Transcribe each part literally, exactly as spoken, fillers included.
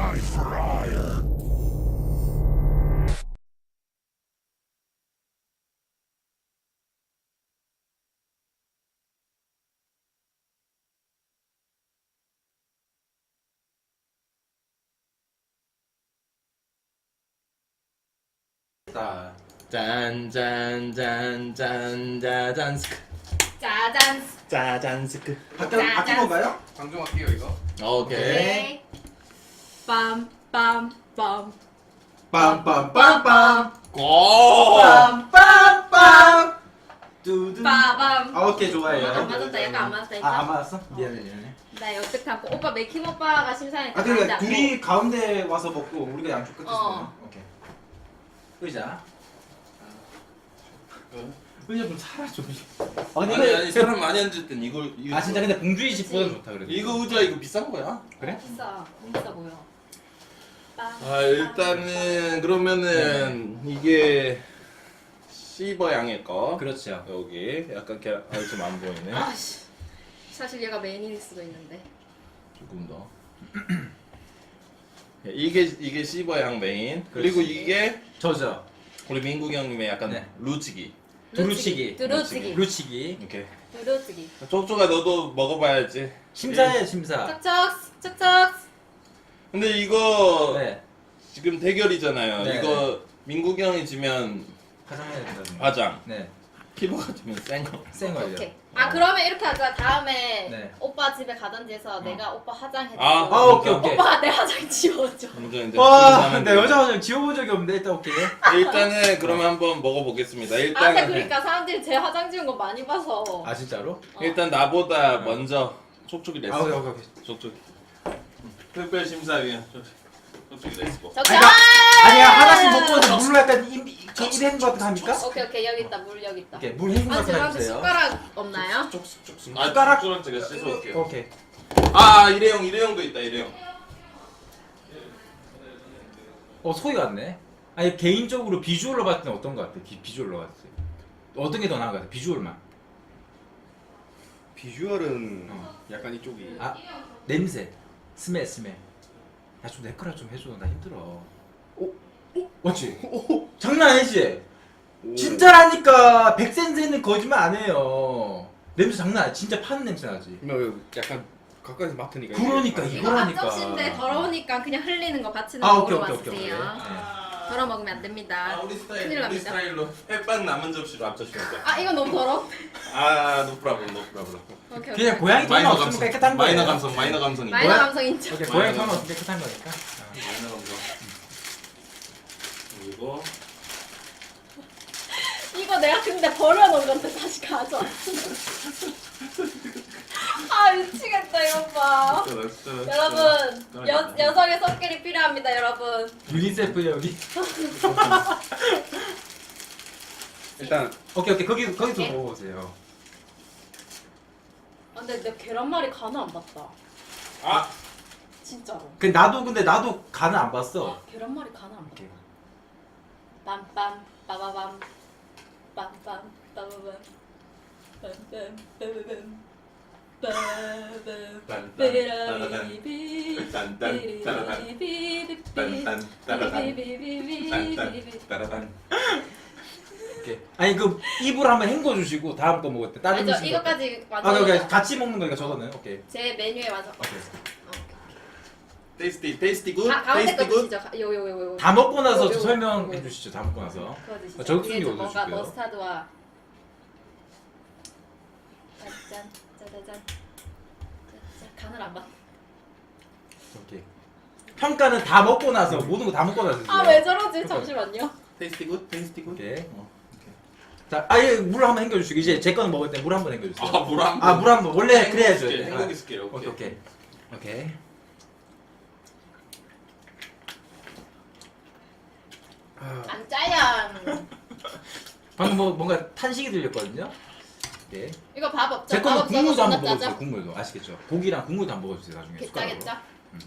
짠짠짠짠 짜잔스크 짜잔. 짜잔스크. 바뀌 바뀐 건가요? 방종 할게요 이거. 오케이. 오케이. 빰빰빰. 빰빰빰빰 고. 빰빰빰 두두. 빠밤. 아 오케이 좋아요. 안 맞았다. 약간 안 맞았다. 아 안 일단. 맞았어? 미안해 미안해. 나 역득하고 오빠 맥힘 오빠가 심사니까. 아 그러니까 둘이 가운데 와서 먹고 우리가 양쪽 끝에서 어. 먹어. 오케이. 의자. 의자 좀 사라져. 아 근데 아니 이거 아니 사람 많이 앉을 땐 이걸 이거 아 진짜 근데 봉주이 집보다 좋다 그래도. 이거 의자 이거 비싼 거야? 그래? 비싸. 비싸 보여. 아 일단은 그러면은 이게 시버 양의 거. 그렇죠. 여기 약간 계란 아 지금 안 보이네. 아씨. 사실 얘가 메인일 수도 있는데. 조금 더. 이게 이게 시버 양 메인. 그리고 이게 저죠. 우리 민국이 형님의 약간 네. 루치기. 두루치기. 두루치기. 루치기. 이렇게. 두루치기. 쪽쪽아 너도 먹어봐야지. 심사해 심사. 척척 척척. 근데 이거 네. 지금 대결이잖아요. 네. 이거 민국이 형이 지면 화장해야 된다는 거. 화장, 네. 키보가 지면 센 거. 센 거예요. 오케이. 아 그러면 이렇게 하자. 다음에 네. 오빠 집에 가든지 해서 내가 오빠 화장해주고 아, 아 오케이 오케이. 오빠가 내 화장 지워줘. 먼저 이제 와, 분사하면 내 돼요. 여자 화장 지워본 적이 없는데 일단 오케이. 일단은 그러면 한번 먹어보겠습니다. 아 일단 근데 그러니까 사람들이 제 화장 지운 거 많이 봐서. 아 진짜로? 일단 나보다 먼저 촉촉이 됐어. 아 오케이 오케이 오케이. 촉촉이. 특별 심사위원 촉촉이 됐고. 적당. 아니야 하나씩 먹고 물로 약간 입 입 헹군 것 같은 거 합니까? 오케이 오케이 여기 있다 물 여기 있다. 오케이 물 헹군 것 아 같은 거 죄송한데 해주세요. 숟가락 없나요? 촉촉촉. 아 숟가락? 숟가락 제가 씻어올게요. 오케이. 아 일회용 일회용도 있다 일회용. 어 소리 같네. 아니 개인적으로 비주얼로 봤을 때 어떤 거 같아? 비, 비주얼로 봤을 때 어떤 게 더 나은 거 같아? 비주얼만. 비주얼은 어. 약간 이쪽이. 아 냄새. 스멜 스멜. 야좀 내 거라 좀 해줘. 나 힘들어. 오, 오, 맞지? 오, 장난 아니지? 오. 진짜라니까. 백센세는 거짓말 안 해요. 냄새 장난 아니야. 진짜 파는 냄새 나지. 뭐 약간 가까이서 맡으니까. 그러니까 이게 이거 이거라니까. 앞접시인데 더러우니까 그냥 흘리는 거 받치는 아 거 오케이 먹으러 오케이 오케이 오케이. 와주세요. 네. 덜어 먹으면 안 아 됩니다. 우리 스타일 큰일 우리 납니다. 스타일로 햇반 남은 접시로 앞접시 먹자. 아 이건 너무 더러. 아 노프라블 노프라블. 오케이 오케이. 그냥 고양이 돈 마이너 없으면 감성. 깨끗한 거예요. 마이너 감성 마이너 감성이. 마이너 뭐야? 감성 인정. 오케이 마이너 고양이 돈 감성. 없으면 깨끗한 거니까. 어. 마이너 감성. 그리고 이거 내가 근데 버려놓은 건데 다시 가져왔어. 아 미치겠다 이거 봐. 진짜 진짜. 여러분 여, 여성의 손길이 필요합니다 여러분. 유니세프 여기. 일단 오케이 오케이 거기 거기서 오케이. 먹어보세요. 아, 근데 내 계란말이 간을 안 봤다. 아 진짜로. 그 나도 근데 나도 간을 안 봤어. 아, 계란말이 간을 안 봤다. 오케이. 빰빰 빠바밤 빰빰 빠바밤 빰빰 빠바밤 빠밤 삐라비비 딴딴 따라단 삐리비비비 딴딴 따라단 비비비비비 딴딴 따라단. 오케이. 아니 그 입으로 한번 헹궈 주시고 다음 거 먹을 때 다른 아니죠 음식 먹을 때. 이거까지 아 오케이 오케이 완성. 같이 먹는 거니까 저거는 오케이. 제 메뉴에 완성. 오케이. 테이스티 테이스티 굿. 가, 가운데 테이스티 거 굿. 드시죠. 요요요요. 다 먹고 나서 요거, 요거, 설명해 요거. 주시죠. 다 먹고 나서. 그거 드시죠. 아, 적순이 위에 좀 이거 뭔가 드실게요. 머스타드와 짠 짜자잔 짠 간을 안 봤. 오케이. 평가는 다 먹고 나서 모든 거 다 먹고 나서 주세요. 아 왜 저러지? 오케이. 잠시만요. 테이스티 굿. 테이스티 굿. 오케이. 자, 아예 물 한번 헹궈 주시고 이제 제 거는 먹을 때 물 한번 헹궈 주세요. 아물 한. 아, 물 한 번. 원래 그래야죠. 아, 행복이 스킬. 오케이, 오케이. 오케이. 안 짜야. 방금 뭐 뭔가 탄식이 들렸거든요. 오케이. 이거 밥 없죠? 제 밥 거는 없죠? 국물도 한번 존나 먹어주세요. 짜죠? 국물도 아시겠죠? 고기랑 국물도 한번 먹어주세요. 나중에 숟가락으로. 개짜겠죠?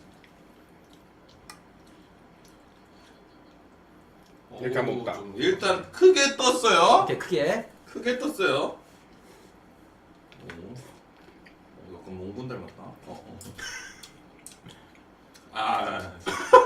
이렇게 한번 먹을까? 좀 일단 크게 떴어요. 이렇게 크게. 크게 떴어요. 오, 어, 약간 몽군 닮았다. 어, 어. 아,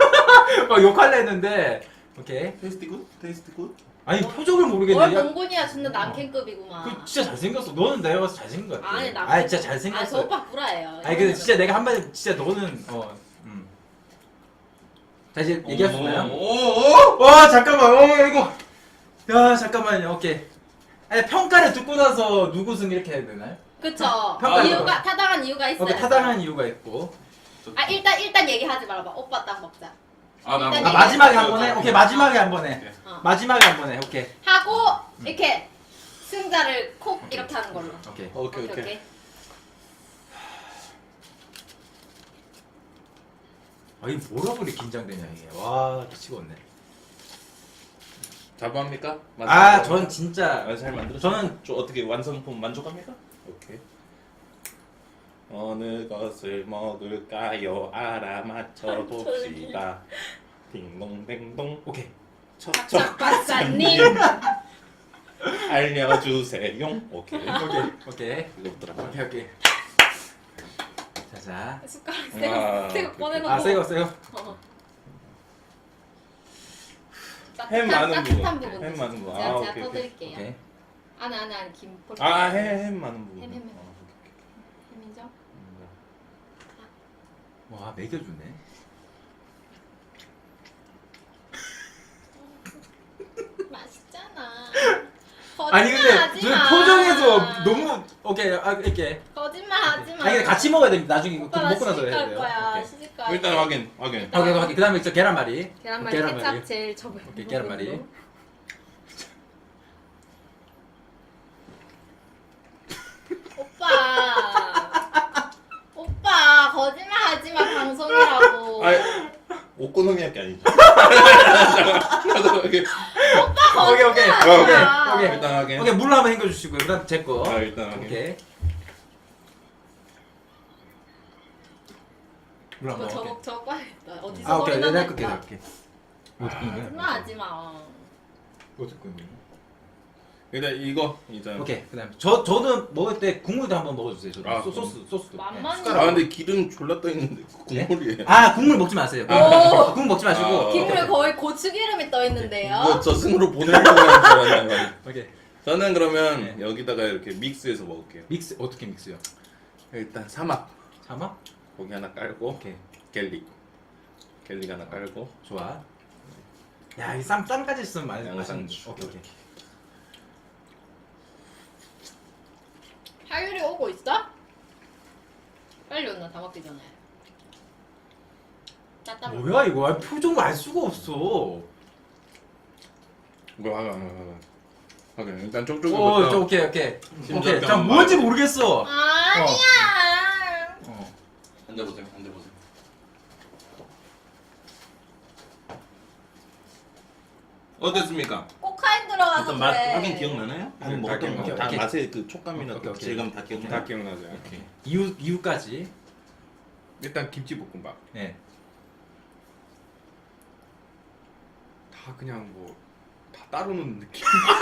막 욕할래 했는데 오케이. 테이스티 굿? 테이스티 굿? 아니 표정을 뭘 모르겠네. 야, 봉곤이야 존나 남캠급이구만. 그 진짜 잘생겼어. 너는 내가 봐서 잘생긴 것 같아. 아니 남. 아니 진짜 아, 저 잘생겼어. 오빠 구라예요. 아니 근데 진짜 내가 한마디 진짜 너는 어. 음. 자 이제 얘기할 수 있나요? 오오오! 와 잠깐만. 어 이거. 야 잠깐만요. 오케이. 아니 평가를 듣고 나서 누구 승 이렇게 해야 되나요? 그쵸. 평가 이유가 타당한 이유가 있어요. 오케이 타당한 이유가 있고. 아 일단 일단 얘기하지 말아봐. 오빠 딱 먹자. 아, 나 일단 아 마지막에 한 번에. 오케이 마지막에 한 번에. 어. 마지막에 한 번에. 오케이. 하고 이렇게 승자를 콕 이렇게 하는 걸로. 오케이. 오케이 오케이. 오케이. 아 이거 뭐라고 이렇게 긴장되냐 이게. 와 미치겠네. 자부합니까? 아 전 진짜 아, 잘 만들었어. 저는 좀 어떻게 완성품 만족합니까? 오케이. 어느 것을 먹을까요? 알아맞혀 봅시다. 딩동댕동. 오케이. 척척 박사님. 알려주세요. 오케이. 오케이. 오케이. 이거부터 오케이 오케이. 자자. 숟가락 아, 새거 새거 오케이, 꺼내놓고. 아 새거 새거. 어. 햄 따뜻한- 많은 따뜻한 부분. 부분. 햄 많은 부분. 제가 아, 제가 오케이, 떠드릴게요. 오케이. 안에 안에 안에 김. 볼- 아, 햄, 햄 많은 부분. 햄, 햄, 햄. 아, 오케이, 햄이죠? 오케이. 와 매겨주네. 맛있잖아. 아니 근데 거짓말하지 저 마. 표정에서 너무 오케이 아 이렇게. 거짓말하지 마. 아니 근데 같이 먹어야 됩니다. 나중에 이거 오빠 먹고 나 나서 해야 시집갈 돼요. 거야. 오케이. 시집갈 일단 거야. 확인, 확인. 일단 오케이 오케이. 그다음에 저 계란말이. 계란말이 케찹 제일 저번. 오케이 계란말이. 오빠. 오빠 거짓말하지 마 방송이라고. 아니, 오코노미야끼 아니죠? 오케이. 오빠 오케이 오케이. 거짓말하지 오케이 마. 오케이. 일단 확인. 오케이 물로 한번 헹궈주시고요. 그다음 제 거. 아, 일단 확인. 오케이. 물 저거 한번. 저거 오케이. 저거 봐야겠다. 어디서 아 오케이. 거기다 내가 냈다. 끌게 이렇게. 거짓말하지 마. 어떻게 끊니? 일단 이거 일단. 오케이. 그다음 저 저는 먹을 때 국물도 한번 먹어주세요. 저도 아, 소, 소스 소스도. 만만히. 네. 아 근데 기름 졸라 떠 있는데 국물이에요. 아 국물 먹지 마세요. 오. 국물 먹지 마시고. 아. 기름에 거의 고추기름이 떠 있는데요. 이거 저승으로 보내려고 하는 줄 알았나요? 오케이. 저는 그러면 네. 여기다가 이렇게 믹스해서 먹을게요. 믹스 어떻게 믹스요? 일단 사막 사막? 고기 하나 깔고 오케이. 갤릭 갤릭 하나 깔고 좋아. 야, 이 쌈 쌈까지 있으면 많이 양상추. 오케이, 오케이. 하율이 오고 있어? 빨리 온나 다 먹기 전에. 따따 뭐야 이거? 아, 표정을 알 수가 없어. 뭐 하나 하나 하나 하긴 일단 쪽쪽이 어, 저 오케이, 오케이. 심장병 오케이. 자, 뭔지 모르겠어. 아니야. 어. 앉아보세요 앉아보세요. 어땠습니까? 코카인 들어가서 일단 맛 그래. 확인 기억나나요? 네, 아니 먹었던 다 거. 기억나요. 다 오케이. 맛의 그 촉감이나 오케이, 그 오케이. 질감 다 기억나요? 다 기억나죠. 오케이. 이유 이유까지. 일단 김치볶음밥 네. 다 그냥 뭐 다 따로 넣는 느낌.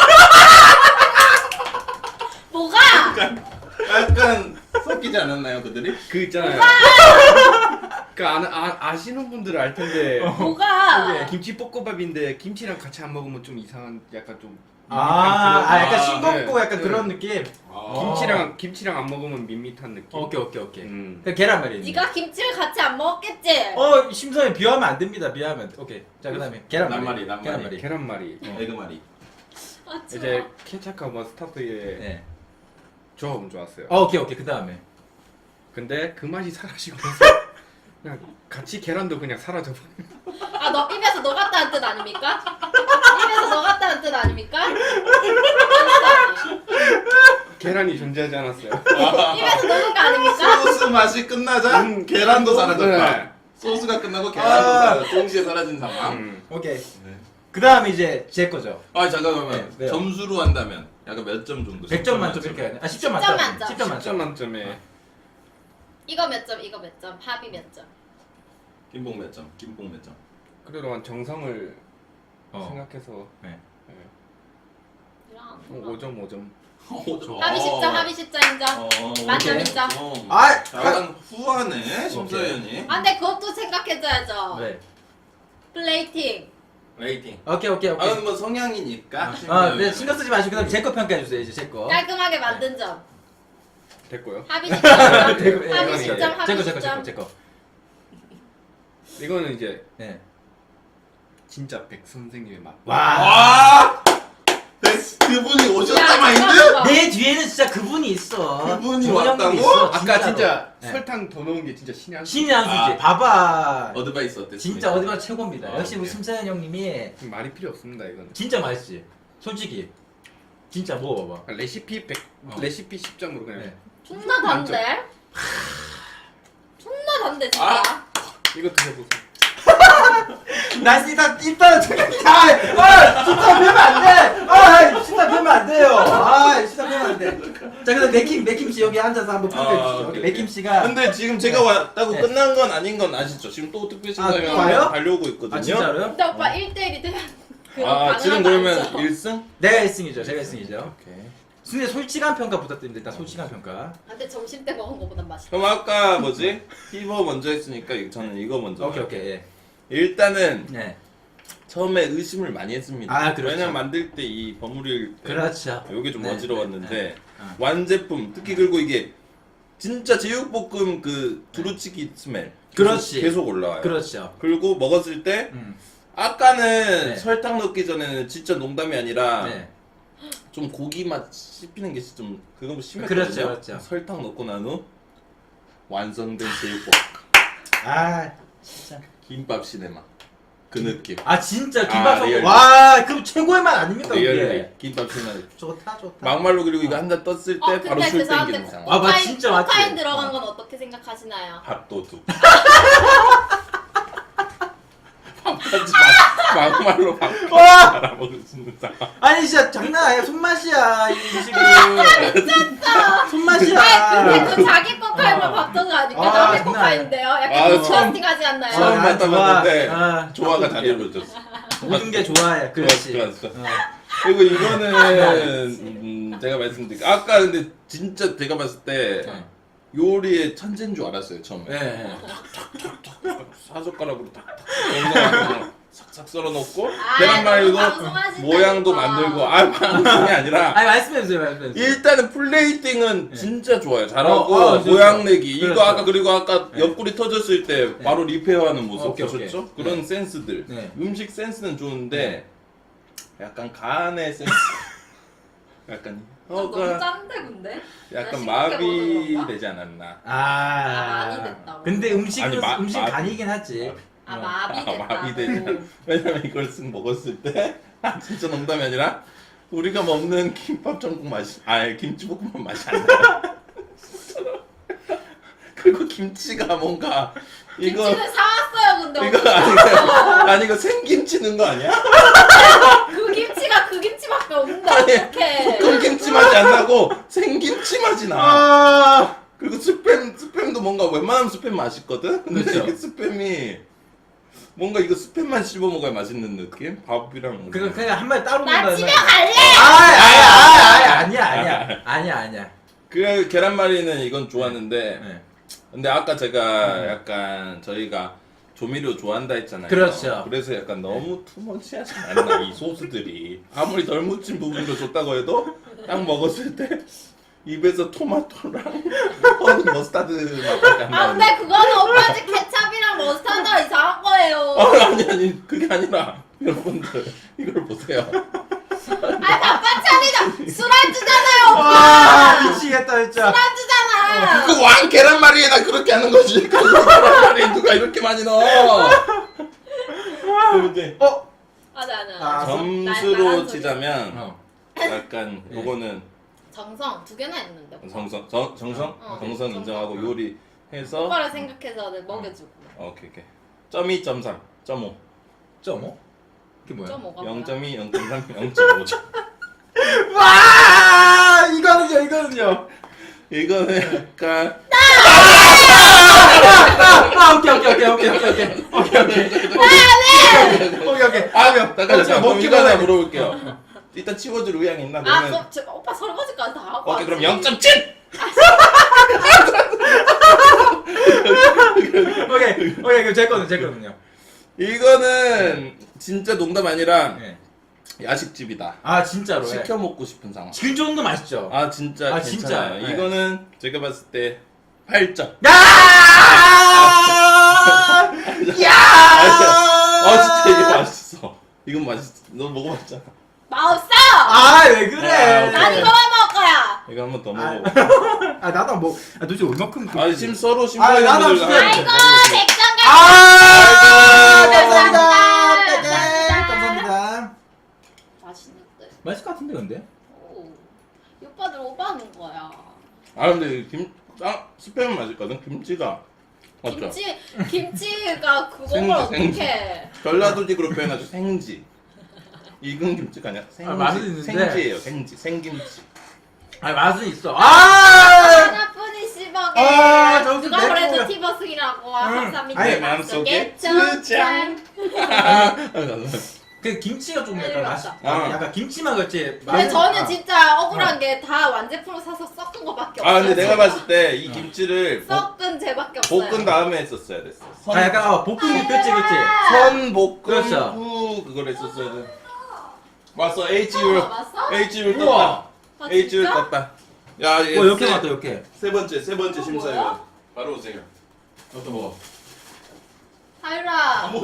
뭐가? 약간 섞이지 않았나요 그들이? 그 있잖아요. 그 아, 아, 아시는 분들은 알 텐데 뭐가? 이게 김치볶음밥인데 김치랑 같이 안 먹으면 좀 이상한 약간 좀 아, 아 약간 아, 싱겁고 네. 약간 네. 그런 느낌. 김치랑 김치랑 안 먹으면 밋밋한 느낌. 오케이, 오케이, 오케이. 음. 그 계란말이. 네가 김치를 같이 안 먹었겠지? 어, 심사에 비하면 안 됩니다. 비하면. 오케이. 자, 그다음에 계란말이. 낱말이, 낱말이. 계란말이. 계란말이. 에그말이. 아, 추워. 이제 케찹하고 머스타드의 네. 조합은 좋았어요. 어, 오케이, 오케이. 그다음에. 근데 그 맛이 사라지고 나서 그냥 같이 계란도 그냥 사라져버려. 아, 너 입에서 녹았다는 뜻 아닙니까? 입에서 녹았다는 뜻 아닙니까? 계란이 존재하지 않았어요. 입에서 녹은 거 아닙니까? 소스 맛이 끝나자 음, 계란도 사라졌다. 네. 소스가 끝나고 계란도 아. 사라 동시에 사라진 상황. 음. 오케이. 네. 그다음에 이제 제 거죠. 아 잠깐만 네, 왜요? 점수로 한다면 약간 몇 점 정도? 백 점 만점 이렇게 해야 돼. 아, 십 점 십 점 만점. 만점. 십 점 십 점 만점. 만점에 이거 몇 점, 이거 몇 점, 합이 몇 점? 김봉 몇 점? 김봉 몇 점? 그래도 한 정성을 어. 생각해서 네. 네. 이랑 안 오 녹아. 점 오 점. 오 점. 합이 십 점, 합이 십 점 인정. 어, 만점 오케이. 인정. 어. 아, 약간 후하네 심사위원이. 아, 근데 그것도 생각해줘야죠. 네. 플레이팅. 레이팅. 오케이 오케이 아 오케이. 근데 뭐 성향이니까. 아, 네 신경 쓰지 마시고 그다음 제 거 평가해 주세요 이제 제 거. 깔끔하게 만든 점. 됐고요. 합의 십 점. 대구- 예, 합의 예, 십 예. 점. 제 합의 거, 제 십 거, 제 거, 점. 제 거. 이거는 이제 네. 진짜 백 선생님의 맛. 와. 와. 그분이 오셨다 야, 마인드? 잠깐만. 내 뒤에는 진짜 그분이 있어. 그분이 정원 왔다고? 형님이 있어, 아까 진짜로. 진짜 네. 설탕 더 넣은 게 진짜 신의 한 수. 신의 한 수지. 아. 봐봐. 어드바이스 어땠습니까? 진짜 어디가 최고입니다. 아, 역시 우리 오케이. 심사연 형님이 말이 필요 없습니다 이건. 진짜 맛있지. 솔직히. 진짜 먹어봐봐. 레시피 백 어. 레시피 십 점으로 그냥. 네. 존나 단데. 존나 단데 진짜. 아. 이거 드셔보세요. 난 일단 일단은 잠깐 아, 진짜 배면 안 돼. 아, 진짜 배면 안 돼요. 아, 진짜 배면 안 돼. 자, 그래서 맥킴 맥킴 씨 여기 앉아서 한번 평가해 아, 주시죠. 오케이, 맥킴 오케이. 씨가 근데 지금 제가 네. 왔다고 네. 끝난 건 아닌 건 아시죠? 지금 또 특별 아, 또 신사명 와요? 달려오고 있거든요. 아, 진짜로요? 근데 오빠 일 대 일이 되면 그거 아, 가능한 지금 거 그러면 아니죠? 일 승? 내가 일 승이죠. 제가 일 승이죠. 오케이. 근데 솔직한 평가 부탁드립니다. 일단 솔직한 평가. 근데 점심 때 먹은 거보단 맛있어. 그럼 아까 뭐지? 피버 먼저 했으니까 이- 저는 이거 먼저. 오케이, 할게요. 오케이. 예. 일단은 네. 처음에 의심을 많이 했습니다. 아, 그렇죠. 왜냐면 만들 때 이 버무릴 때 그렇죠. 요게 좀 네, 어지러웠는데 네, 네. 어. 완제품 특히 그리고 이게 진짜 제육볶음 그 두루치기 스멜 그렇지. 계속 올라와요. 그렇죠. 그리고 먹었을 때 음. 아까는 네. 설탕 넣기 전에는 진짜 농담이 아니라 네. 좀 고기 맛 씹히는 게 좀 그거 심했거든요. 그렇죠, 그렇죠. 설탕 넣고 난 후 완성된 제육볶음 아, 진짜. 김밥 시네마 그 느낌. 아, 진짜 아, 김밥 리얼리. 와, 그럼 최고의 맛 아닙니까, 리얼리 이게? 김밥 시네마. 좋다, 좋다. 막말로 그리고 이거 한 잔 떴을 때 어 바로 근데 술 죄송한데 땡기는 상황. 아, 맞- 코카인, 진짜 맞지? 코카인 들어간 어. 건 어떻게 생각하시나요? 밥도둑. 밥하지 마. 막말로 밥 와! 알아먹을 수 있는 상황. 아니 진짜 장난 아니야. 손맛이야 이 음식은. 미쳤어. 손맛이야. 아니 근데 그 자기 코카인만 밥도둑 아니까 아, 남의 장난 코카인인데요? 아, 약간 처음- 디스커스팅하지 않나요? 처음 아, 맡아봤는데 좋아. 아, 조화가 좋아. 잘 이루어졌어. 모든 게 좋아해. 그렇지. 좋았어, 좋았어. 어. 그리고 이거는 음, 제가 말씀드릴게요. 아까 근데 진짜 제가 봤을 때 요리의 천재인 줄 알았어요 처음에. 네. 네. 사젓가락으로 탁탁 영상으로 싹싹 썰어 놓고 아, 계란말이도 너무 방송하신다니까. 모양도 만들고 아 방송이 아니라 아니 말씀해 주세요. 말씀해 주세요. 일단은 플레이팅은 네. 진짜 좋아요. 잘하고 어, 어, 진짜. 모양 내기 그렇죠. 이거 아까 그리고 아까 네. 옆구리 터졌을 때 바로 리페어하는 모습 오케이, 보셨죠? 오케이. 그런 네. 센스들 네. 음식 센스는 좋은데 약간 간의 센스 약간 너무 혀가 짠데 근데? 약간 나 싱겁게 마비 먹어서 그런가? 되지 않았나. 아. 아, 많이 됐다고. 근데 음식은 아니, 마- 음식 마비. 간이긴 하지. 아 어. 마비 아, 됐다. 마비 되지 않아. 왜냐면 이걸 쓱 먹었을 때 아, 진짜 농담이 아니라 우리가 먹는 김밥 전국 맛이 아니 김치볶음밥 맛이 안 나. 그리고 김치가 뭔가 이거 김치는 사왔어요 근데 이거 어떻게 아니 사왔어? 아니 이거 생김치 넣은 거 아니야? 그 김치가 그 김치밖에 없는데 아니, 어떡해. 볶음 김치 맛이 안 나고 생김치 맛이 나. 아. 그리고 스팸 스팸도 뭔가 웬만하면 스팸 맛있거든. 근데 그렇죠. 이게 스팸이 뭔가 이거 스팸만 씹어 먹어야 맛있는 느낌? 밥이랑 그거 그냥 한 마리 따로 나 먹는다는 집에 말. 갈래. 아, 아야, 아야, 아니야, 아니야, 아니야, 아니야. 그 계란말이는 이건 좋았는데 네. 근데 아까 제가 음. 약간 저희가 조미료 좋아한다 했잖아요. 그렇죠. 그래서 약간 너무 투머치하지 않나 이 소스들이 아무리 덜 묻힌 부분으로 줬다고 해도 딱 먹었을 때 입에서 토마토랑 허니 머스타드 맛밖에 안 아 나는데. 근데 그거는 오빠 집 케찹이랑 머스타드가 이상한 거예요. 어, 아니 아니 그게 아니라 여러분들 이걸 보세요. 아 밥반찬이다. 술안주잖아요 와, 오빠. 미치겠다 진짜. 술안주잖아. 그 왕 계란말이에다 그렇게 하는 거지. 그 계란말이에 누가 이렇게 많이 넣어? 그럼 이제 어? 맞아 맞아. 아, 점수로 치자면 어. 약간 네. 요거는 정성 두 개나 했는데. 오빠. 정성 정, 정성 어, 정성 정성. 인정하고 요리 해서 오빠를 생각해서 내 먹여주고. 오케이 오케이 점이 점삼 점오 점 이게 뭐야? 좀 뭐가 영 뭐야? 점이 영 점 삼 영 점 오죠. 와, 이거는요, 이거는요. 이거는 약간 아, 오케이, 오케이, 오케이, 오케이, 오케이, 오케이, 오케이, 오케이, 오케이, 오케이. 아 잠깐 잠깐 어, 그럼 먹기 이거 하나 전에. 물어볼게요. 일단 치워줄 의향 있나? 아, 그러면 그, 저, 오빠 설거지까지 다 하고. 오케이 그럼 왔지. 영 점 칠. 오케이, 오케이, 그럼 제 거는 제 거는요. 이거는 진짜 농담 아니라 네. 야식집이다. 아 진짜로. 예. 시켜 먹고 싶은 상황. 그 정도 맛있죠. 아 진짜 아, 괜찮아요. 진짜? 네. 이거는 제가 봤을 때 팔 점. 야! 야! 아 진짜 이거 맛있어. 이건 맛있어. 너 먹어봤잖아. 맛없어. 아, 왜 그래? 아, 난 오케이. 이거만 먹을 거야. 이거 한번 더 아. 먹어. 아, 나도 뭐, 아, 도대체 얼마큼. 아 지금 서로 아, 심사위원들 나도 진짜- 아이고 백 점 가. 아! 감사합니다. 감사합니다. 네, 감사합니다. 맛있는데. 맛있을 것 같은데, 근데? 오. 이 오빠들 오바하는 거야. 아 근데 김 아, 스팸은 맛있거든. 김치가 맞죠? 김치 김치가 그걸 생지, 생지. 어떻게? 전라도식으로 표현하죠. 생지. 익은 김치가 아니라 생지. 아, 맛은 있는데. 생지예요. 생지. 생김치. 아, 맛은 있어. 아! 하나뿐인 씹어게. 아, 저거 누가 내 그래도 거야. 티버스기라고 응. 합삼이 아니, 마음속에 점 짠. 그 김치가 좀 약간 빨리 맛이, 왔다. 아, 어. 약간 김치만 그렇지. 근데 맛은- 저는 아. 진짜 억울한 게 다 완제품을 사서 섞은 거밖에 없어요. 아 근데 내가 제가. 봤을 때 이 김치를 볶, 섞은 제밖에 없어요. 볶은 다음에 했었어야 됐어. 선, 아, 약간, 어, 볶음이, 그치, 그치. 선 볶음 그렇죠. 후 그걸 했었어야 돼. 왔어. 어, H율. 맞어? H율 우와. 떴다. 아, H율 진짜? 떴다. 야, 얘 어, 이렇게 세- 맞다, 이렇게. 세 번째, 세 번째 어, 심사위원. 뭐야? 바로 오세요. 어떤 거? 하율아.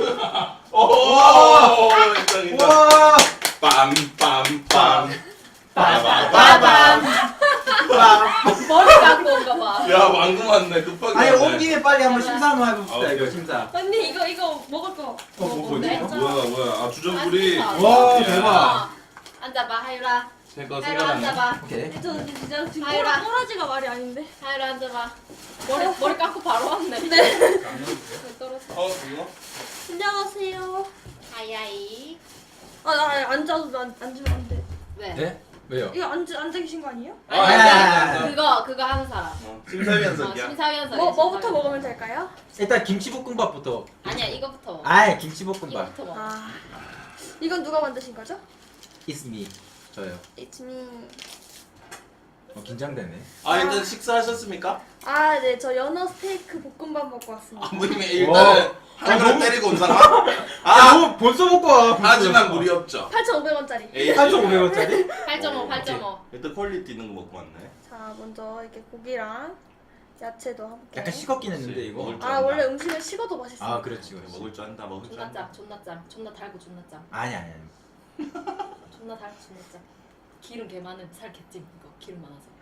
오, 인정 인정. 우와! 빰빰빰. 빠밤. 머리 감고 온가 봐. 야, 왕금 왔네. 급하게. 아니, 왔네. 온 김에 빨리 한번 심사 한번 아, 해봅시다, 오케이. 이거, 심사. 언니 이거 이거 먹을 거. 뭐, 뭐, 뭔데? 뭐지? 뭐야, 뭐야. 아, 주전부리. 아, 와, 야. 대박. 앉아봐 하율아. 새거 하율아 생각나네. 앉아봐. 오케이. 저는 진짜 지금 하율아. 꼬라, 꼬라지가 말이 아닌데. 하율아 앉아봐. 머리 머리 감고 바로 왔네. 네. 떨어져. 어, 이거? 안녕하세요. 하이하이. 아, 나 앉아도 안, 앉으면 안 돼. 왜? 네? 왜요? 이거 앉, 앉아 계신 거 아니에요? 아, 아니, 아, 아니, 그거 그거 하는 사람. 어, 심사위원 어, 석이야. 심사위원석. 뭐, 뭐부터 먹으면 될까요? 일단 김치볶음밥부터. 아니야 이거부터 먹어. 아이, 김치볶음밥. 이거부터 먹어. 아, 이건 누가 만드신 거죠? It's me. 저요. It's me. 어, 긴장되네. 아, 일단 식사하셨습니까? 아, 네, 저 연어 스테이크 볶음밥 먹고 왔습니다. 아무님이 일단은 한 그릇 때리고 온 사람? 아, 아, 뭐 벌써 먹고 와. 하지만 무리 없죠. 팔천오백 원짜리. 에이, 팔천오백 원짜리? 팔 점 오, 팔 점 오. 일단 퀄리티 있는 거 먹고 왔네. 자, 먼저 이렇게 고기랑 야채도 함께. 약간 식었긴 했는데, 이거. 먹을 줄 아, 안다. 원래 음식은 식어도 맛있어. 아, 그렇지, 그렇지. 먹을 줄 안다, 먹을 줄 존나 안다. 짭, 존나 짭, 존나 달고 존나 짭, 아니, 아니, 아니. 존나 달고 존나 짭. 기름 개 많은 살 개찜 이거 기름 많아서.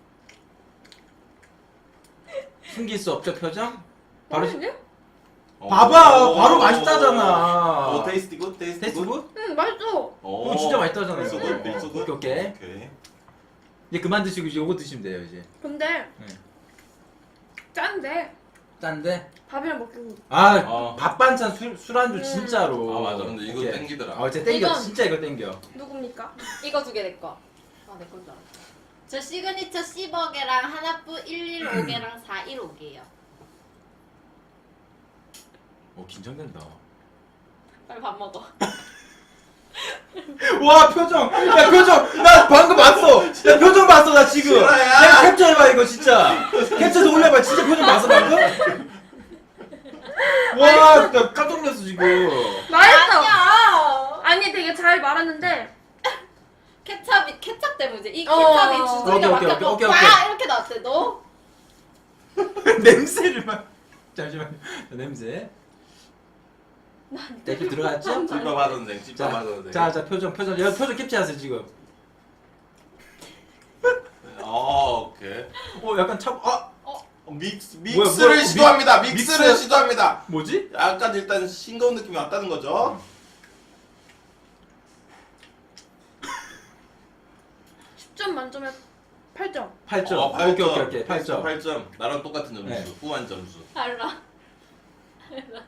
숨길 수 없죠, 표정? 바로 시... 맛있네? 어. 봐봐, 오. 바로 맛있다잖아. 오, 테이스티 굿, 테이스티 테스트 굿. 굿? 응, 맛있어. 오, 오, 진짜 맛있다잖아, 밀수 이거. 굿, 밀수 굿. 오케이, 오케이. 오케이. 이제 그만 드시고 이제 요거 드시면 돼요, 이제. 근데 네. 짠데 짠데? 밥이랑 먹기 아, 어. 밥 반찬 술, 술안주 음. 진짜로. 아, 맞아. 근데 이거 오케이. 땡기더라. 아, 진짜 땡겨. 이건- 진짜 이거 땡겨. 누굽니까? 이거 두 개 내 거. 아, 내 건 줄 알았어. 저 시그니처 씹어개랑 하나뿌 일일오개랑 사일오개예요. 오, 긴장된다. 빨리 밥 먹어. 와, 표정! 야, 표정! 나 방금 봤어! 야, 표정 봤어, 나 지금! 실화야. 야, 캡처해봐, 이거 진짜! 캡처해서 올려봐, 진짜 표정 봤어, 방금? 와, 나 깜짝 놀랐어, 지금. 맛있어. 아니야. 아니 되게 잘 말았는데 케찹이 케찹 때문에 이제 이 어. 케찹이 오케이, 주둥이가 오케이, 막혀서 오케이, 와 오케이. 이렇게 나왔대. 너? 냄새를 막. 잠시만요. 냄새. 댓글 들어갔죠? 찝밥 선생, 찝밥 자, 선생. 자, 자, 표정, 표정. 야, 표정 캡처하세요, 지금. 어, 오케이. 어, 약간 차, 아! 어, 믹스, 뭐야, 믹스를 뭐야, 시도합니다. 믹- 믹스를 믹스? 시도합니다. 뭐지? 약간 일단 싱거운 느낌이 왔다는 거죠. 십 점 만점에 팔 점. 팔 점. 어, 오케이, 오케이, 오케이. 팔 점. 팔 점. 나랑 똑같은 점수. 네. 후한 점수. 알라. 알라.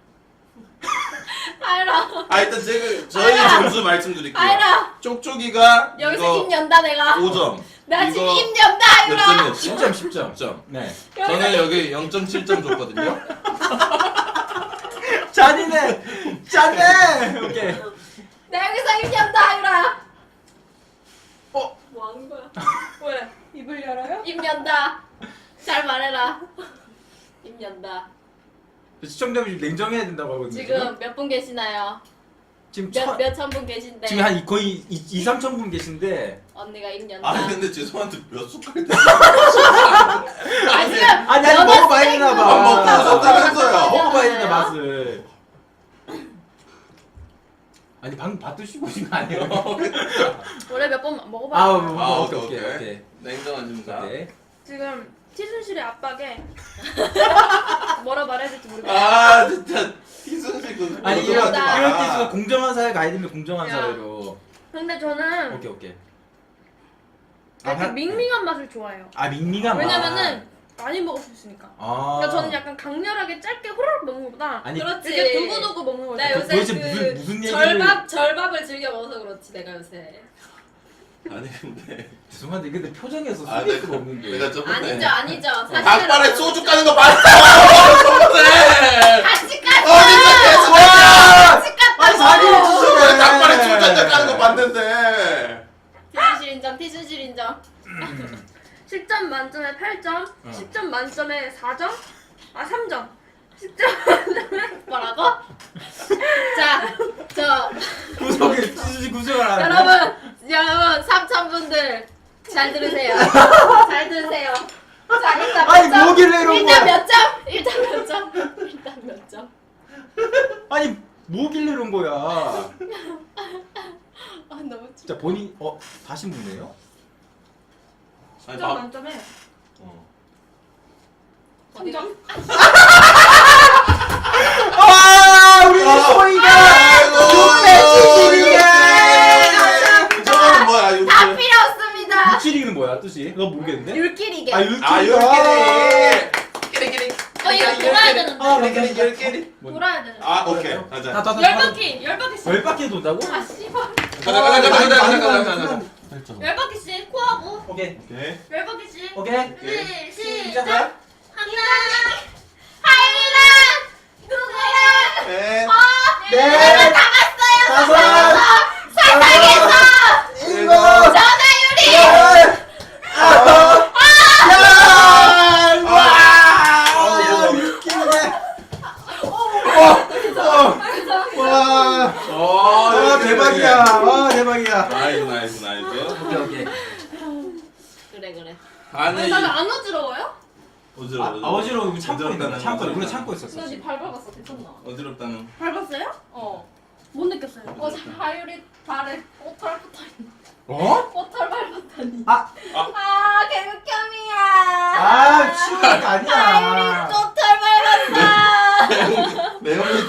알라. 아, 일단 제가 저희 점수 말씀드릴게요. 알라. 쪽쪽이가 여기서 이거 입 연다 내가. 오 점. 나 지금 이거 입 연다 몇 알라. 점이었죠? 십 점, 십 점. 십 점. 네. 저는 여기 영 점 칠 점 줬거든요. 잔이네! 짠네! 오케이. 나 여기서 입 연다 알라. 어? 뭐 하는 거야? 왜? 입을 열어요? 입 연다. 잘 말해라. 입 연다. 시청자분이 냉정해야 된다고 하거든요. 지금 몇 분 계시나요? 지금 몇 천, 몇 천 분 계신데 지금 한 이- 거의 이, 삼천 분 계신데 언니가 일 년 아니 다. 근데 죄송한데 몇 숟갈 때 아 지금 아니 아니 연어 먹어봐야 되나 스테이크 봐. 먹고 나섰다면서요. 먹어봐야 된다 맛을. 아니 방금 밥 드시고 오신 거 아니에요? 원래 몇 번 먹어봐. 아, 아, 뭐, 아, 오케이 오케이, 오케이 오케이. 오케이. 냉정한 심사. 오케이. 지금 티순실의 압박에 뭐라 말해야 될지 모르겠어. 아 진짜 희순씨 그 아니 이런 그거다. 이런 때 있으면 공정한 사회 가야 되면 공정한 야. 사회로. 근데 저는 오케이 오케이. 약간 한- 밍밍한 맛을 좋아해요. 아 밍밍한 맛. 왜냐면은 많이 먹을 수 있으니까. 아. 그러니까 저는 약간 강렬하게 짧게 호로록 먹는 것보다 아니 그렇지. 이렇게 두고두고 먹는 거. 나 그 요새 도대체 그 무슨- 무슨 얘기를- 절밥 절밥을 즐겨 먹어서 그렇지 내가 요새. 아니 근데 죄송한데 근데 표정에서 아 스트레스 내가 먹는 게. 내가 저번에 아니죠 아니죠. 사실은 닭발에 소주 까는 거 봤어 저번에 같이 깠어. 어디서 계속 와! 같이 깠다고. 아니 사기를 치시네. 닭발에 소주 한잔 까는 거 봤는데 티순실 인정 티순실 인정. 십 점 만점에 팔 점, 어. 십 점 만점에 사 점, 아 삼 점. 십 점 뭐라고? 자, 저 구석에 찌지 구석을 안 해. 여러분, 여러분 삼천 분들 잘 들으세요. 잘 들으세요. 자, 일단 아니, 몇 점? 뭐길래 이런 일단 거야? 몇 점? 일단 몇 점? 일단 몇 점? 아니 뭐길래 이런 거야. 아 너무 춥. 진짜 본인 어 다시 묻네요? 아니 십 점 밥 만점에 어. 삼 점. 아 우리 아, 소희가 아이고, 육백칠십이에 저거는 뭐야 이거 다 필요 없습니다. 육칠이는 뭐야 뜻이? 너 모르겠는데? 율끼리게. 아 어, 육칠이. 아 열끼리 끼리끼리 이거 돌아야 되는데. 아, 끼리끼리 열끼리 돌아야 되는데. 아 오케이 가자 가자 열 바퀴, 열 바퀴씩. 열 바퀴 돈다고? 아 씨발. 가자 가자 가자 가자 가자 가자 열 바퀴씩 코하고 오케이 오케이 열 바퀴씩. 오케이 둘, 시작. 시작. 하나, 하이랑 누구랑 넷 네 나갔어요. 다섯 사상에서 일곱 전화율이 여덟 아홉 열 아, 와 육킬이네 와 어 와 대박이야 와 대박이야 나이스 나이스 나이스 오케이 오케이 그래 그래. 아니 나는 안 어지러워요? 어지러워 아 어지러워 이거 참고 있는 거야 어지럽다는 참고 우리 거잖아. 참고 있었어 근데 발 밟았어 괜찮나? 어지럽다는 밟았어요? 어. 못 느꼈어요. 어제 하율이 발에 꽃털 붙어 있는. 어? 꽃털 밟았다니. 아. 아 개극혐이야. 아 치우는 거 아니야 하율이 꽃털 밟았어. 내용이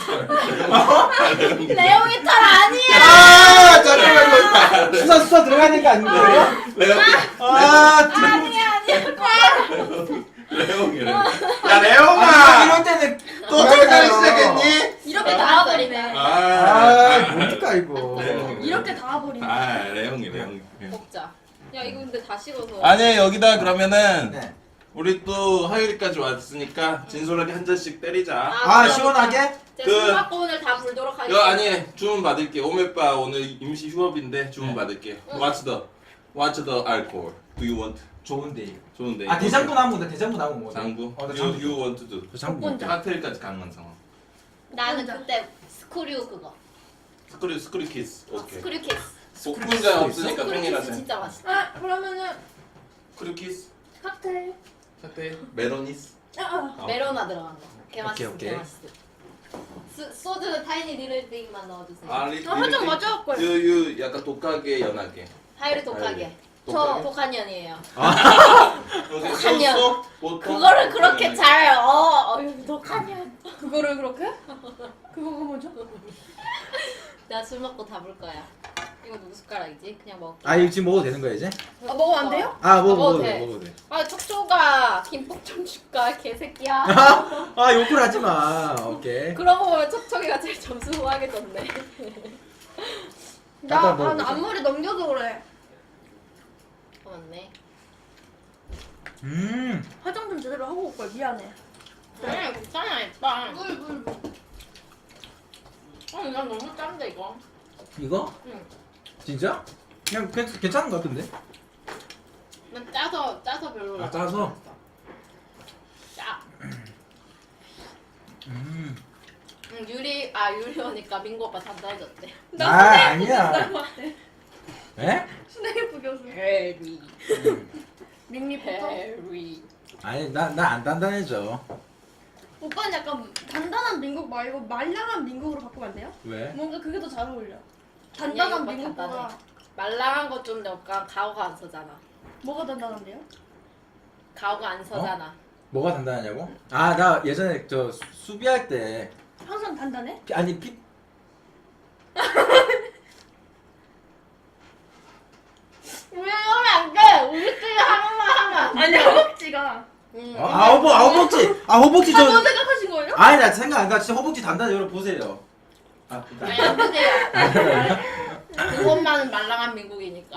털 레옹이 털 아니야. 아 잠깐만 이거 수사 수사 들어가야 되는 거 아닌가요? 레옹 아 뒤로 아니야 아니야. 레옹이래 야 아 레옹아 이럴 때는 또 털까지 시작했니? 이렇게 닿아버리네. 아 뭡니까 이거 네. 이렇게 닿아버리네. 아 레옹이 레옹이 먹자. 야 이거 근데 다 식어서. 아니 여기다 그러면은 네. 우리 또 화요일까지 왔으니까 진솔하게 한 잔씩 때리자. 아 시원하게? 제가 그- 술 먹고 오늘 다 불도록 여 하겠습니다. 아니 주문 받을게. 오메빠 오늘 임시 휴업인데 주문 네. 받을게. What's the What's the alcohol? Do you want? 좋은데 좋은데. 아 대장부 나오면 돼 대장부 나오면 뭐 장부. 어, 나 you, 장부 you want to do. 저 장부 복분자. 칵테일까지 가능한 상황. 나는 그때 스크류 그거. 스크류 스크류 키스. 오케이. 스크류 키스. 복분자 없으니까 스크류 키스 통일하자. 진짜 맛있어. 아 그러면은 스크류 키스. 칵테일. 칵테일. 메로니스. 아, 어. 메로나 들어간 거. 개 맛있어. 오케이, 개 오케이. 맛있어. 스, 소주는 타이니 리틀띵만 넣어주세요. 아 리. 아, 한잔 맞아 갖고 와요. 유유 약간 독하게 연하게. 하이를 독하게. 저 독하게? 독한 년이에요. 요새 독한 년. 소스, 보통 그거를 그렇게 잘 어, 어휴 독한 년. 그거를 그렇게? 그거가 뭐죠? 내가 술 먹고 다 볼 거야. 이거 누구 숟가락이지? 그냥 먹. 아 이거 지금 먹어도 되는 거야 이제? 아 먹으면 안 돼요? 아 먹어 먹어도 먹어도 돼. 돼 먹어도 돼 아 촉촉아 김밥 좀 줄까 개새끼야. 아 욕을 하지 마 오케이 그러고 보면 촉촉이가 제일 점수 후하게 줬네. 나, 나도 나 먹어보자. 앞머리 넘겨서 그래. 어, 맞네. 음 화장 좀 제대로 하고 올 걸. 미안해. 아니 괜찮아 일단. 물, 물, 물. 아니 난 너무 짠데 이거. 이거? 응. 진짜? 그냥 괜- 괜찮은 거 같은데? 난 짜서 짜서 별로. 아, 짜서? 짜. 음. 응, 유리 아 유리 오니까 민고 오빠 단단해졌대. 아 아니야. 닮았대. 에? 스네이프 교수. 해리. 밍리부터. 해리. 아니 나 나 안 단단해져. 오빠는 약간 단단한 민국 말고 말랑한 민국으로 바꾸면 안 돼요? 왜? 뭔가 그게 더 잘 어울려. 아니야, 단단한 오빠 민국보다 단단해. 말랑한 거 좀 약간 가오가 안 서잖아. 뭐가 단단한데요? 가오가 안 서잖아. 뭐가 단단하냐고? 아 나 예전에 저 수- 수비할 때 항상 단단해? 피- 아니 피 왜 이러면 안 돼? 우리끼리 하는 말 하면. 아니 허벅지가. 응. 어? 아 허벅 아 허벅지 아 허벅지 한번 저 생각하신 거예요? 아니 나 생각 안 가. 진짜 허벅지 단단해. 여러분 보세요. 아 아니 안 보세요. 그것만은 말랑한 민국이니까.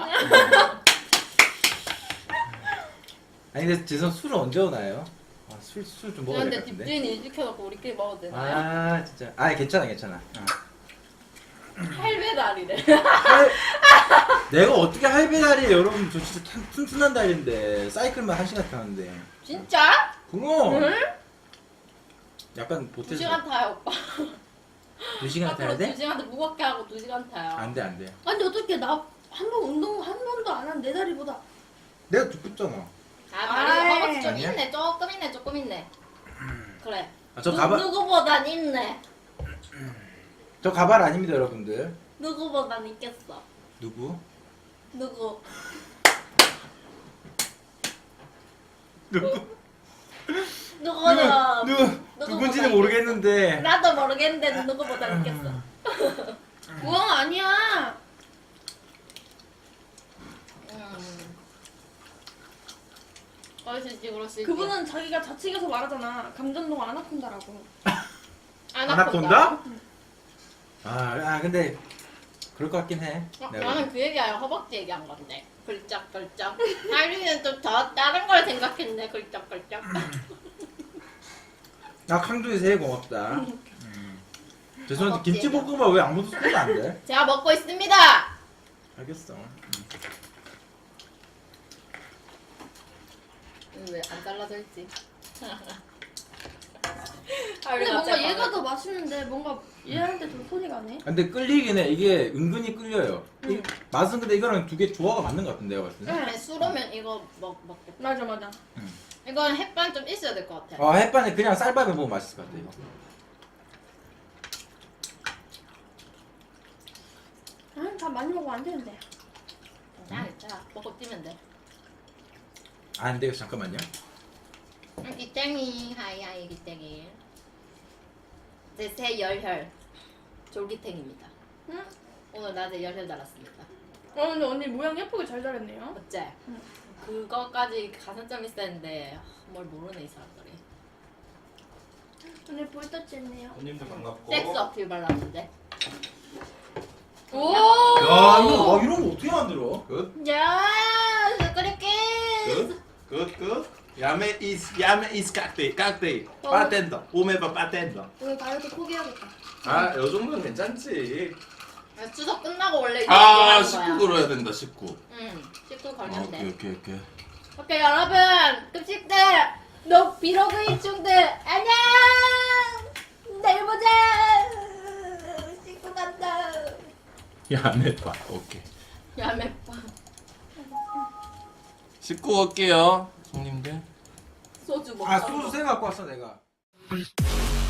아니 근데 재선 술을 언제 오나요? 술 술 좀 먹어야 될 그런데 것 같은데. 딥주인 일 시켜놓고 우리끼리 먹어도 되나요? 아 진짜. 아 괜찮아 괜찮아. 어. 할배 다리래. 할- 내가 어떻게 할배다리 여러분 저 진짜 튼- 튼튼한 다리인데 사이클만 한 시간 타는데. 진짜? 그럼 응? 약간 두 보태서 시간 타요 오빠. 두 시간 타야 앞으로 두 돼? 시간 무겁게 하고 두 시간 타요. 안돼 안돼. 아니 어떻게 나 한 번 운동 한 번도 안 한 내 다리보다 내가 두껍잖아. 아 다리 아이. 허벅지 좀 아니야? 있네. 조금 있네. 조금 있네. 그래. 아, 저 누, 가발 누구보단 있네. 저 가발 아닙니다 여러분들. 누구보단 있겠어. 누구? 누구? 누구? 누구는 누구 누구보다 누군지는 있겠어. 모르겠는데. 나도 모르겠는데 누구보단 있겠어. 그건 아니야. 음. 그럴 수 있지, 그럴 수 있지. 그분은 자기가 자칭해서 말하잖아. 감전동 아나콘다라고. 아나콘다? 아, 아 근데 그럴 것 같긴 해. 어, 내가 나는 그 얘기 아니라 허벅지 얘기한 건데. 글쩍글쩍. 하리는 좀 더 다른 걸 생각했네. 글쩍글쩍. 나 강조이 새해 고맙다. 음. 죄송한데 허벅지 김치볶음밥 왜 아무도 쓰면 안 돼? 제가 먹고 있습니다. 알겠어. 왜 안 잘라져 있지? 근데 뭔가 얘가 더 맛있는데 뭔가 얘한테 더 손이 가네. 근데 끌리긴 해. 이게 은근히 끌려요. 이 응. 맛은 근데 이거랑 두 개 조화가 맞는 것 같은데 내가 봤을 때. 응. 술오면 이거 먹 먹겠다. 맞아 맞아. 이건 햇반 좀 있어야 될 것 같아. 아 햇반에 그냥 쌀밥에 먹으면 맛있을 것 같아 이거. 아, 다 많이 먹으면 안 되는데. 자, 자, 먹고 뛰면 돼. 아 근데 이거 잠깐만요. 응, 기땡이, 하이 하이 기땡이. 제 새 열혈 졸기탱입니다. 응? 오늘 낮에 열혈 달았습니다. 어 근데 언니 모양 예쁘게 잘 자랐네요. 어째? 응. 그거까지 가산점 있었는데 뭘 모르네 이 사람들이. 언니 볼터치 했네요. 손님들 반갑고. 섹스 어필 발랐는데. 오! 야 이거 와 이런 거 어떻게 만들어? 굿. 야, 스크리키. 굿. 굿. 굿. 야메 이스 야메 이스 깍데이 깍데이. 어. 바텐더. 오메바 바텐더. 오늘 다이어트 포기해야겠다. 아, 요 정도는 괜찮지. 추석 끝나고 원래 이거 아, 하는 십구 거야. 걸어야 된다. 십구. 응, 십구 아, 걸면 돼. 오케이, 오케이, 오케이. 오케이 여러분 급식들 너 비로그 일중들 안녕 내일 보자 씻고 간다 야메 바. 오케이. 야매빠 씻고 올게요, 손님들. 소주 먹고 아 소주 생 갖고 왔어 내가.